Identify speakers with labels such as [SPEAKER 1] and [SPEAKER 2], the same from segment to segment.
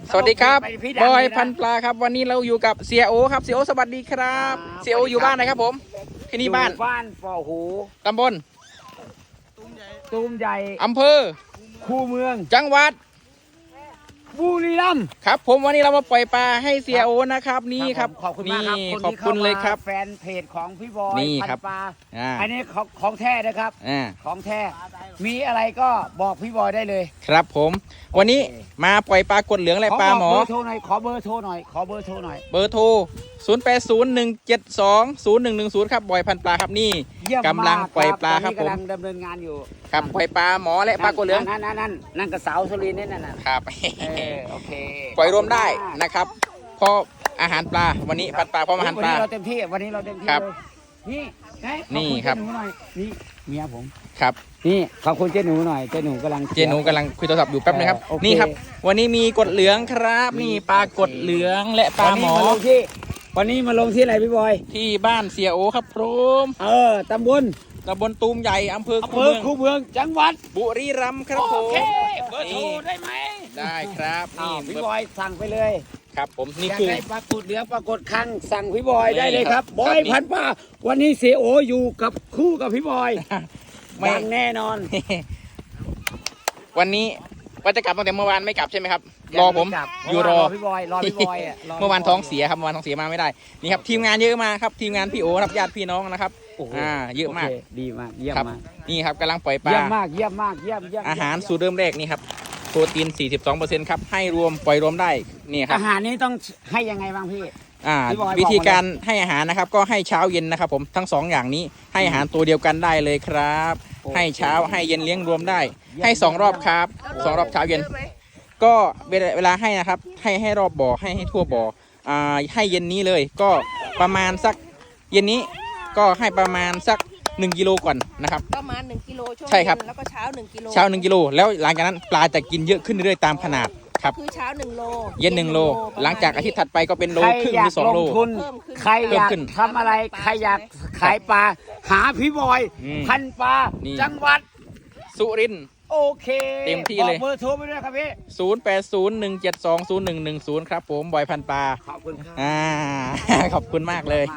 [SPEAKER 1] สวัสดีครับบอยพันปลาครับวันนี้เราอยู่กับเสียโอครับเสียโอสวัสดีครับเสียโออยู่บ้านไหนครับผมที่นี่บ้าน
[SPEAKER 2] ป่อหู
[SPEAKER 1] ตำบล
[SPEAKER 2] ตูมใหญ่
[SPEAKER 1] อำเภอ
[SPEAKER 2] คูเมือง
[SPEAKER 1] จังหวัด
[SPEAKER 2] บุรีรัมย์
[SPEAKER 1] ครับผมวันนี้เรามาปล่อยปลาให้เสียโอนะครับนี่ครับ
[SPEAKER 2] ขอบคุณมากครับ
[SPEAKER 1] ขอบคุณเลยครับ
[SPEAKER 2] แฟนเพจของพี่บอย
[SPEAKER 1] นี่ครับ
[SPEAKER 2] ปลาอันนี้ของแท้นะครับของแท้มีอะไรก็บอกพี่บอยได้เลยครับ
[SPEAKER 1] ผมวันนี้มาปล่อยปลากดเหลืองและปลาหมอ
[SPEAKER 2] ขอเบอร์โทรหน่อยเบอร์โทร
[SPEAKER 1] 0801720110ครับบอยพันปลาครับนี่กำลังปล่อยปลาครับผม
[SPEAKER 2] กำลังดำเนินงานอยู่
[SPEAKER 1] ครับปล่อยปลาหมอและปลากดเหลือง
[SPEAKER 2] นั่นกระเสาสุรินทร์นี่นั่น
[SPEAKER 1] ครับ
[SPEAKER 2] โอเค
[SPEAKER 1] ปล่อยรวมได้นะครับพออาหารปลาวันนี้พันปลาพร้อมอาหารปลา
[SPEAKER 2] วันนี้เราเต็มที่
[SPEAKER 1] ครับ
[SPEAKER 2] นี่
[SPEAKER 1] ครับ
[SPEAKER 2] นี่เมียผม
[SPEAKER 1] ครับ
[SPEAKER 2] นี่ขอบคุณเจ๊หนูหน่อยเจ๊หนูกำลัง
[SPEAKER 1] คุยโทรศัพท์อยู่แป๊บนึงครับนี่ครับวันนี้มีกดเหลืองครับนี่ปลากดเหลืองและปลาหมอ
[SPEAKER 2] วันนี้มาลงที่ไหนพี่บอย
[SPEAKER 1] ที่บ้านเสียโอครับพร้อม
[SPEAKER 2] ตำบล
[SPEAKER 1] ตูมใหญ่อำเภอ
[SPEAKER 2] คูเมืองจังหวัด
[SPEAKER 1] บุรีรัมย์ครับผม
[SPEAKER 2] เบอร์โทรได้ไหม
[SPEAKER 1] ได้ครับนี่
[SPEAKER 2] พี่บอยสั่งไปเลย
[SPEAKER 1] ครับผมนี่คือ
[SPEAKER 2] ปลากดเหลืองปลากดคังสั่งพี่บอยได้เลยครับบอยพันปลาวันนี้เสียโออยู่กับคู่กับพี่บอยดังแน่นอน
[SPEAKER 1] วันนี้ว่าจะกลับตั้งแต่เมื่อวานไม่กลับใช่ไหมครับรอผมอยู่รอ
[SPEAKER 2] พี่บอย
[SPEAKER 1] เมื่อวานท้องเสียครับเมื่อวานท้องเสียมาไม่ได้นี่ครับทีมงานเยอะมากครับทีมงานพี่โอครับญาติพี่น้องนะครับเยอะมาก
[SPEAKER 2] ดีมากเยี่ยมมาก
[SPEAKER 1] นี่ครับกำลังปล่อยปลา
[SPEAKER 2] เยี่ยมมาก
[SPEAKER 1] อาหารสูตรเริ่มแรกนี่ครับโปรตีน 42%ครับให้รวมปล่อยรวมได้นี่ครับ
[SPEAKER 2] อาหารนี้ต้องให้ยังไงบ้างพี่
[SPEAKER 1] วิธีการให้อาหารนะครับก็ให้เช้าเย็นนะครับผมทั้ง2อย่างนี้ให้อาหารตัวเดียวกันได้เลยครับให้เช้าให้เย็นเลี้ยงรวมได้ให้2รอบครับ2รอบเช้าเย็นก็เวลาให้นะครับให้รอบบ่อให้ทั่วบ่อให้เย็นนี้เลยก็ประมาณสักเย็นนี้ก็ให้ประมาณสัก1 กิโลก่อนนะครับ
[SPEAKER 3] ประมาณ1 กิโลช่วง
[SPEAKER 1] ใช่ครับ
[SPEAKER 3] แล้วก็เช้า1 กิโล
[SPEAKER 1] 1 กิโลแล้วหลังจากนั้นปลาจะกินเยอะขึ้นเรื่อยๆตามขนาดครับ
[SPEAKER 3] คือเช้า1 โล
[SPEAKER 1] เย็น1 โลหลังจากอาทิตย์ถัดไปก็เป็นโลครึ่งหรือ2 โล
[SPEAKER 2] ใครอยากทำอะไรใครอยากขายปลาหาพี่บอยพันปลาจังหวัด
[SPEAKER 1] สุรินทร์
[SPEAKER 2] โอเค
[SPEAKER 1] เต็มที่เลย
[SPEAKER 2] เบอร์โทรไปด้วยครับพี่
[SPEAKER 1] 0801720110ครับผมบอยพันปลา
[SPEAKER 2] ขอบคุณครับ
[SPEAKER 1] ขอบคุณมากเลย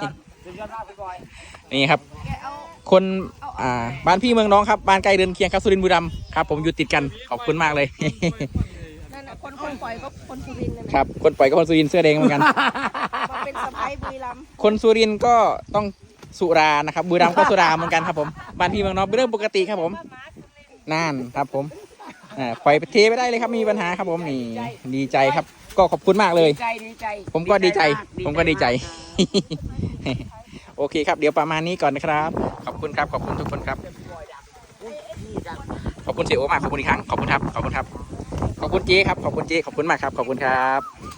[SPEAKER 1] นี่ครับคนบ้านพี่เมืองน้องครับบ้านใกล้เรือนเคียงครับสุรินทร์บุรีรัมย์ครับผมอยู่ติดกันขอบคุณมากเลย
[SPEAKER 3] นั่นคนปล่อยก็คนสุรินทร์
[SPEAKER 1] ครับคนปล่อยก็คนสุรินทร์เสื้อแดงเหมือนกัน
[SPEAKER 3] เป็นสะพ้ายบุรีรัมย์
[SPEAKER 1] คนสุรินทร์ก็ต้องสุรานะครับบุรีรัมย์ก็สุราเหมือนกันครับผมบ้านพี่เมืองน้องเป็นเรื่องปกติครับผมนั่นครับผมปล่อยเทไปได้เลยครับมีปัญหาครับผมนี่ดีใจครับก็ขอบคุณมากเลยผมก็ดีใจโอเคครับเดี๋ยวประมาณนี้ก่อนนะครับขอบคุณครับขอบคุณทุกคนครับขอบคุณเสียโอมากขอบคุณอีกครั้งขอบคุณครับขอบคุณเจ๊ครับขอบคุณเจ๊ขอบคุณมากครับขอบคุณครับ